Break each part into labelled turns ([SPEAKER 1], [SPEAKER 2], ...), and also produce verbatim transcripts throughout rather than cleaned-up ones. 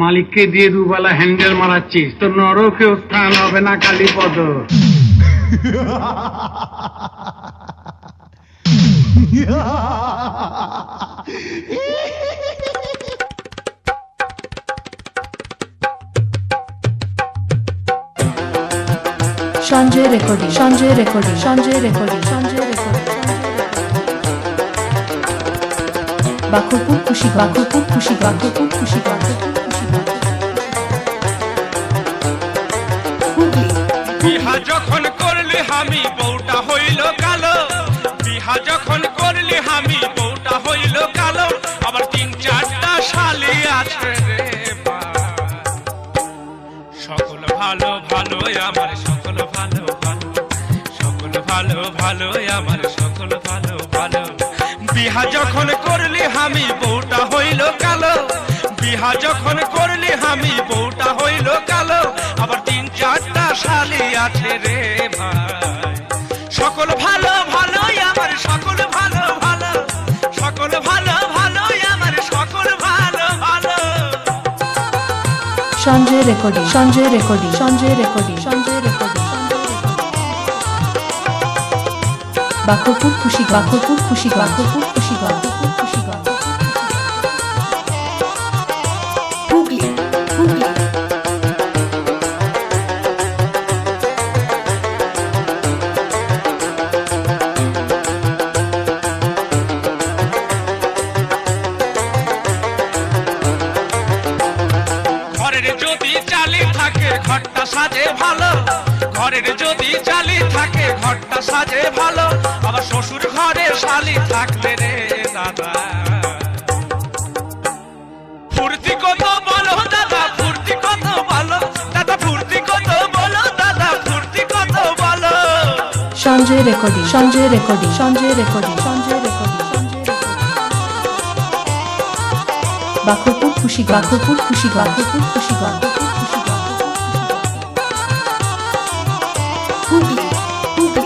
[SPEAKER 1] মালিককে দিয়ে দুবেলা হ্যান্ডেল মারাচ্ছিস, তো নরকেও স্থান হবে না Kalipada.
[SPEAKER 2] Sanjay recording, Sanjay recording, Sanjay recording, Sanjay recording. Bakurpur খুশি, বাকুরপুর খুশি, বাকুরপুর খুশি, বাকুরপুর খুশি।
[SPEAKER 3] বিহা যখন করলি হামি বউটা হইল কালো, বিহা যখন করলি হামি বউটা হইল কালো, আবার তিন চারটা শালি আছে রে ভাই। সকল ভালো ভালো আমার সকল ভালো ভালো, সকল ভালো ভালো আমার সকল ভালো ভালো। বিহা যখন করলি হামি বউটা হইল কালো, বিহা যখন করলি হামি বউটা হইল কালো, আবার তিন চারটা শালি আছে রে ভাই। সকল ভালো ভালো আমার সকল ভালো ভালো, সকল ভালো ভালো আমার সকল ভালো ভালো।
[SPEAKER 2] Sanjay recording, Sanjay recording, Sanjay recording, Sanjay recording. Bakurpur খুশি, বাকুরপুর খুশি, বাকুরপুর খুশি, বাকুরপুর খুশি, হুগলি, হুগলি।
[SPEAKER 3] ঘরের যদি চালি থাকে ঘরটা সাজে ভালো, ঘরের যদি চালি থাকে ঘরটা সাজে ভালো, আবার শ্বশুর ঘরে শালি থাকলে রে দাদা ফুর্তি কত বলো দাদা, ফুর্তি কত বলো দাদা, ফুর্তি কত বলো দাদা, ফুর্তি কত বলো।
[SPEAKER 2] Sanjay recording, Sanjay recording, Sanjay recording, Sanjay recording, Sanjay recording. Bakurpur খুশি, বাকুরপুর খুশি, বাকুরপুর খুশি, বাকুরপুর খুশি, হুগলি, হুগলি।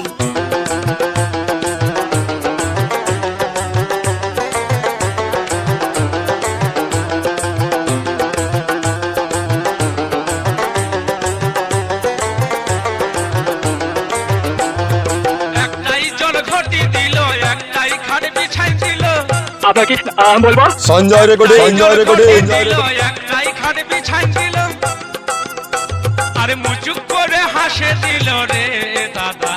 [SPEAKER 3] একটাই জল ঘটি দিল, একটাই খাট বিছাই দিল,
[SPEAKER 4] আপনাকে বলবো
[SPEAKER 5] সঞ্জয় রেকর্ডিং, সঞ্জয় রেকর্ডিং।
[SPEAKER 3] একটাই খাট বিছাই দিল, আরে মুচুক করে হাসে দিল রে দাদা।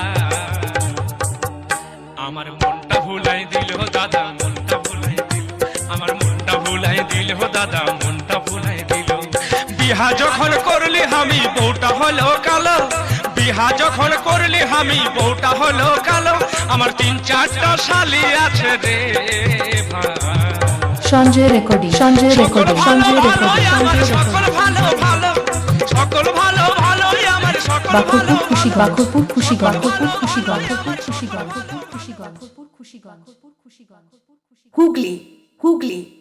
[SPEAKER 3] আমার মনটা ভুলাই দিল দাদা, মনটা ভুলাই দিল, আমার মনটা ভুলাই দিল দাদা, মনটা ভুলাই দিল। বিহা যখন করলি হামি বউটা হলো কালো, বিহা যখন করলি হামি বউটা হলো কালো, আমার তিন চারটা শালি আছে রে ভাই।
[SPEAKER 2] Sanjay recording, Sanjay recording, Sanjay recording, Sanjay
[SPEAKER 3] সকল
[SPEAKER 2] রেকর্ডিং।
[SPEAKER 3] ভালো ভালো, সকল ভালো ভালো আমার সকল
[SPEAKER 2] বাকুরপুর খুশি, বাকুরপুর খুশি, বাকুরপুর খুশি, বাকুরপুর খুশি, বাকুরপুর খুশি, বাকুরপুর খুশি, বাকুরপুর খুশি, বাকুরপুর খুশি। হুগলি, হুগলি।